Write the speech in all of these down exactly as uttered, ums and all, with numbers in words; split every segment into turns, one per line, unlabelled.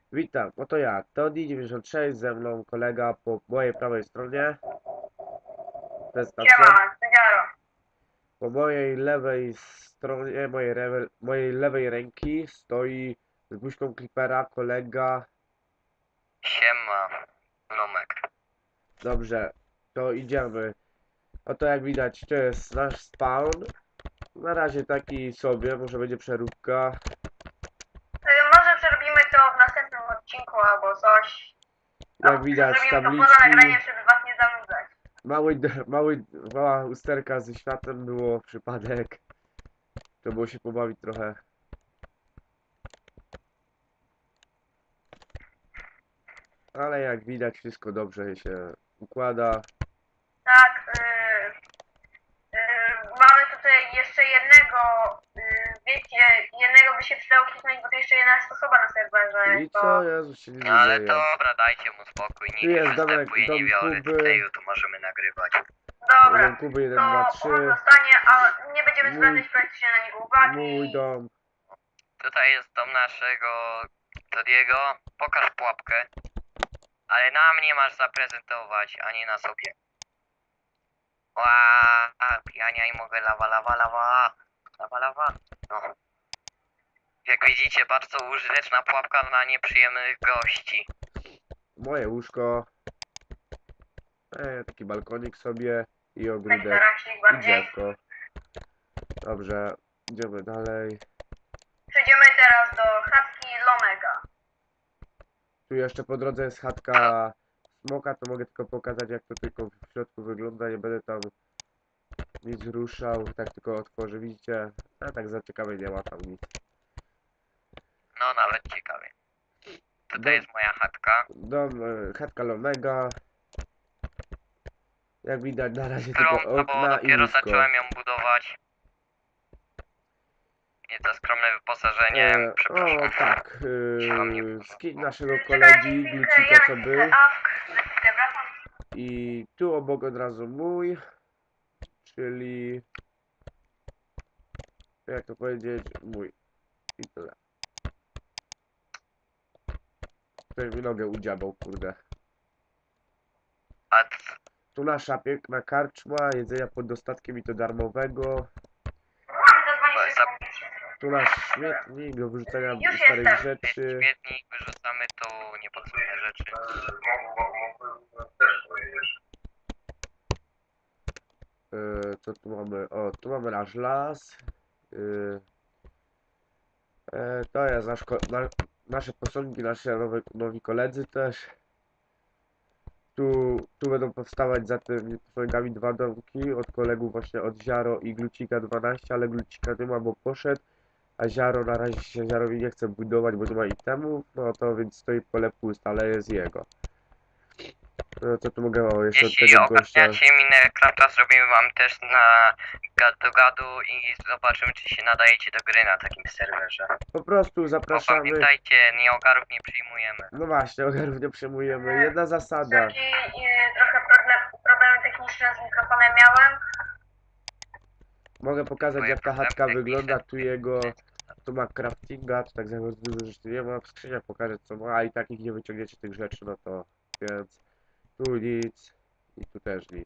Witam, oto ja, Todi dziewięćdziesiąt sześć, ze mną kolega po mojej prawej stronie. Prezentacja.
Siema, Syniaro.
Po mojej lewej stronie, mojej, rewe, mojej lewej ręki stoi z buźką Clippera kolega.
Siema, Lomek.
Dobrze, to idziemy. Oto jak widać, to jest nasz spawn. Na razie taki sobie, może będzie przeróbka.
Y, Może przerobimy to w następnym odcinku albo coś.
Jak widać,
Zrobimy to poza
tabliczki.
nagraniem, żeby was nie zanudzać.
Mały, mały, mała usterka ze światem było przypadek. To było się pobawić trochę. Ale jak widać, wszystko dobrze się układa.
Tak, y, y, mamy tutaj jeszcze jednego, y, wiecie, jednego by się przydało kliknąć, bo to jeszcze jedna jest osoba na serwerze.
I
To
co? Jezu, się nie
No ale
dzieje.
dobra, dajcie mu spokój,
Tu
niech
jest domek,
występuje,
dom
nie biorę
Kuby.
tutaj, to możemy nagrywać.
dobra,
Dom Kuby jeden,
to
dwa,
on
trzy.
zostanie, a nie będziemy
Mój-
zwracać praktycznie na niego uwagi.
Mój dom.
Tutaj jest dom naszego Todiego, pokaż pułapkę. Ale nam nie masz zaprezentować, ani na sobie. Ła, ja nie mogę, lawa, lawa, lawa, lawa, lawa. No. Jak widzicie, bardzo użyteczna pułapka na nieprzyjemnych gości.
Moje łóżko. E, taki balkonik sobie. I
Tak
ogródek.
tarasik
I
bardziej.
drzewko. Dobrze, idziemy dalej.
Przejdziemy teraz do chatki Lomega.
Tu jeszcze po drodze jest chatka smoka, to mogę tylko pokazać, jak to tylko w środku wygląda. Nie będę tam nic ruszał, tak tylko otworzę, widzicie? A tak za ciekawe nie ma tam nic.
No nawet ciekawie. Tutaj
Dom,
jest moja chatka,
dom e, chatka Lomega. Jak widać na razie
którą,
tylko
no bo
okna i
dopiero
łóżko.
zacząłem ją budować. I to skromne wyposażenie,
E,
przepraszam.
o tak,
Wam nie
e, skin naszego
Czekajcie
kolegi
chwilkę,
Glucika
ja
co
nacisnę
był.
awk, za chwilkę wracam.
I tu obok od razu mój. Czyli... Jak to powiedzieć? Mój. I tyle. Ktoś mi nogę udziabał, kurde.
A c-
Tu nasza piękna karczma, jedzenia pod dostatkiem i to darmowego.
Zadzwonię sobie
za-
z policją.
Tu nasz śmietnik do wyrzucania
Już
starych
jestem.
rzeczy.
śmietnik wyrzucamy tu niepotrzebne rzeczy.
E, co tu mamy? O, tu mamy nasz las. E, e, to jest nasz, ko- na, nasze posągi, nasze nowe, nowi koledzy też. Tu, tu będą powstawać za tymi posągami dwa domki od kolegów właśnie od Ziaro i Glucika dwanaście, ale Glucika nie ma, bo poszedł. A Ziaro na razie się Ziarowi nie chce budować, bo nie ma itemów, no to więc stoi pole puste, ale jest jego. No co tu mogę o, jeszcze od
Jeśli
tego gościa.
ogarniacie Minecrafta, zrobimy wam test na gadu gadu i zobaczymy, czy się nadajecie do gry na takim serwerze.
Po prostu
Bo
zapraszamy.
pamiętajcie, nieogarów nie przyjmujemy.
No właśnie, ogarów nie przyjmujemy. Jedna zasada.
Taki y, trochę problem, problemy techniczne z mikrofonem miałem.
Mogę pokazać
Twoje
jak ta
problemy
chatka
techniczne
wygląda. Tu
to
jego, tu ma craftinga, tu tak za dużo rzeczy nie ma. W skrzyniach pokażę co ma, a i tak ich nie wyciągniecie tych rzeczy, no to więc tu nic i tu też nic.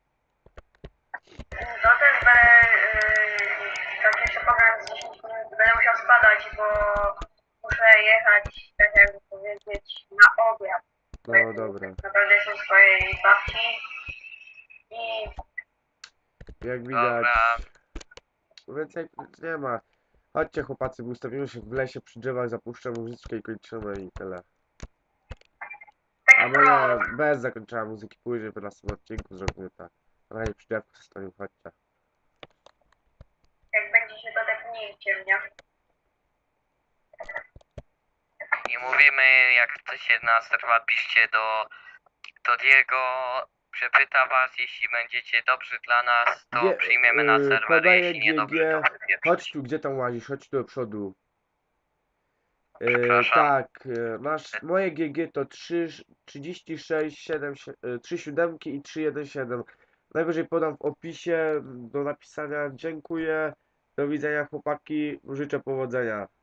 To też będę, y, tak jeszcze program z dziesięć minut, będę musiał spadać, bo muszę jechać, tak jakby powiedzieć, na obiad.
No dobra.
Naprawdę jestem w swojej babci. I
Jak widać,
Dobra.
więcej nic nie ma. Chodźcie chłopacy, bo ustawimy się w lesie przy drzewach, zapuszczę muzyczkę i kończymy i tyle.
taki
Albo nie,
prolog.
bez zakończenia muzyki, później w następnym odcinku zrobimy tak. Na razie przy drzewku zostaniemy, chodźcie.
Jak będziecie, to tepnijcie mnie.
I mówimy, jak chcecie na serwer, piszcie do Todiego, przepyta was, jeśli będziecie dobrzy dla nas, to
G-
przyjmiemy na
yy,
serwer,
podaję
jeśli nie dobrzy, to
G G.
wypieprzyć.
Chodź tu, gdzie tam łazisz, chodź tu do przodu. Yy,
Przepraszam.
tak, yy, masz, moje G G to trzy, trzydzieści sześć, siedem, trzy siódemki i trzy jeden siedem. Najwyżej podam w opisie do napisania. Dziękuję, do widzenia chłopaki, życzę powodzenia.